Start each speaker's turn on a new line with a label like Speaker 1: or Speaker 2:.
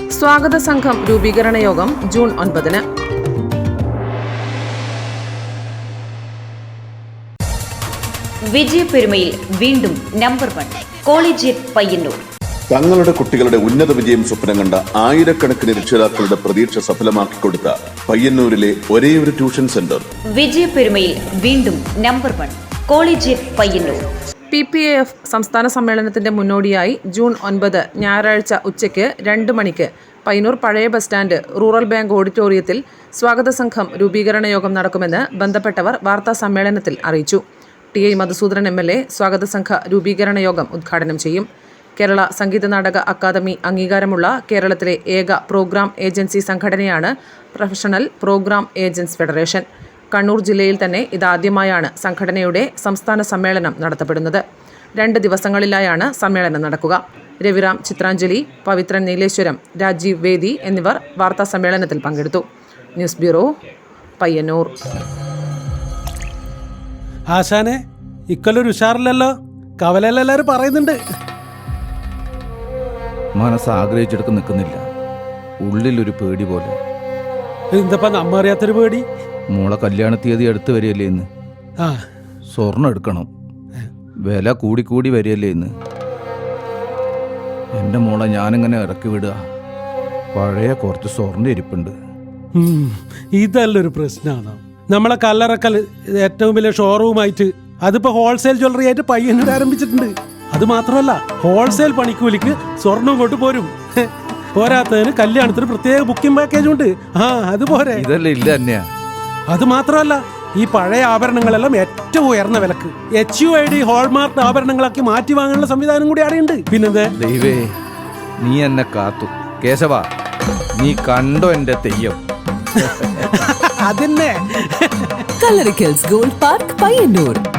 Speaker 1: സ്വാഗത സംഘം രൂപീകരണ യോഗം ജൂൺ 9-ന്.
Speaker 2: വിജയപെരുമയിൽ വീണ്ടും നമ്പർ 1 കോളേജിയറ്റ് പയ്യന്നൂർ.
Speaker 3: തങ്ങളുടെ കുട്ടികളുടെ ഉന്നത വിജയം സ്വപ്നം കണ്ട ആയിരക്കണക്കിന് രക്ഷിതാക്കളുടെ പ്രതീക്ഷ സഫലമാക്കിക്കൊടുത്ത പയ്യന്നൂരിലെ ഒരേയൊരു ട്യൂഷൻ സെന്റർ.
Speaker 2: വിജയപെരുമയിൽ വീണ്ടും നമ്പർ 1 കോളേജിയറ്റ് പയ്യന്നൂർ.
Speaker 1: PPAF സംസ്ഥാന സമ്മേളനത്തിന്റെ മുന്നോടിയായി ജൂൺ 9 ഞായറാഴ്ച ഉച്ചയ്ക്ക് 2 മണിക്ക് പയ്യന്നൂർ പഴയ ബസ് സ്റ്റാൻഡ് റൂറൽ ബാങ്ക് ഓഡിറ്റോറിയത്തിൽ സ്വാഗത സംഘം രൂപീകരണ യോഗം നടക്കുമെന്ന് ബന്ധപ്പെട്ടവർ വാർത്താ സമ്മേളനത്തിൽ അറിയിച്ചു. TI മധുസൂദനൻ MLA സ്വാഗത സംഘ രൂപീകരണ യോഗം ഉദ്ഘാടനം ചെയ്യും. കേരള സംഗീത നാടക അക്കാദമി അംഗീകാരമുള്ള കേരളത്തിലെ ഏക പ്രോഗ്രാം ഏജൻസി സംഘടനയാണ് professional program agents federation. Kannur ജില്ലയിൽ തന്നെ ഇതാദ്യമായാണ് സംഘടനയുടെ സംസ്ഥാന സമ്മേളനം നടത്തപ്പെടുന്നത്. 2 ദിവസങ്ങളിലായാണ് സമ്മേളനം നടക്കുക. രവിറാം ചിത്രാഞ്ജലി, പവിത്രൻ നീലേശ്വരം, രാജീവ് വേദി എന്നിവർ വാർത്താ സമ്മേളനത്തിൽ പങ്കെടുത്തു. News bureau, Payyanur.
Speaker 4: ആശാനെ, ഇക്കൊല്ലൊരു ഉഷാറില്ലല്ലോ. കവലെല്ലാരും പറയുന്നുണ്ട്.
Speaker 5: മനസ്സ് ആഗ്രഹിച്ചെടുത്ത് നിൽക്കുന്നില്ല. ഉള്ളിലൊരു പേടി പോലെ.
Speaker 4: എന്തപ്പാ നമ്മ അറിയാത്തൊരു പേടി?
Speaker 5: മോളെ കല്യാണ തീയതി അടുത്ത് വരികയല്ലേ ഇന്ന്. സ്വർണ്ണം എടുക്കണം. വില കൂടി വരികയല്ലേ ഇന്ന്. എൻ്റെ മോളെ ഞാനിങ്ങനെ ഇറക്കി വിടുക. പഴയ കുറച്ച് സ്വർണ്ണം ഇരിപ്പുണ്ട്.
Speaker 4: ഇതല്ലൊരു പ്രശ്നമാണ്. നമ്മളെ കല്ലറക്കൽ ഏറ്റവും വലിയ ഷോറൂമായിട്ട് അതിപ്പോ ഹോൾസെയിൽ ജ്വല്ലറി ആയിട്ട് പയ്യന്നൂർ ആരംഭിച്ചിട്ടുണ്ട്. അത് മാത്രമല്ല, ഹോൾസെയിൽ പണിക്കൂലിക്ക് സ്വർണം കൊണ്ട് പോരും. പോരാത്തതിന് കല്യാണത്തിന് പ്രത്യേക ബുക്കിംഗ് പാക്കേജ് ഉണ്ട്. അതുപോലെ
Speaker 5: ഇതല്ലേ ഇല്ല തന്നെയാ.
Speaker 4: അത് മാത്രമല്ല, ഈ പഴയ ആഭരണങ്ങളെല്ലാം ഏറ്റവും ഉയർന്ന വിലക്ക് HUID ഹോൾമാർക്ക് ആഭരണങ്ങളാക്കി മാറ്റി വാങ്ങാനുള്ള സംവിധാനം കൂടി അവിടെയുണ്ട്. പിന്നെന്താ
Speaker 5: ദൈവേ, നീ എന്നെ കാത്തു. കേശവ, നീ കണ്ടോ എന്റെ തെയ്യം?
Speaker 4: അതന്നെ.
Speaker 6: Kallarikkals gold park Payyanur.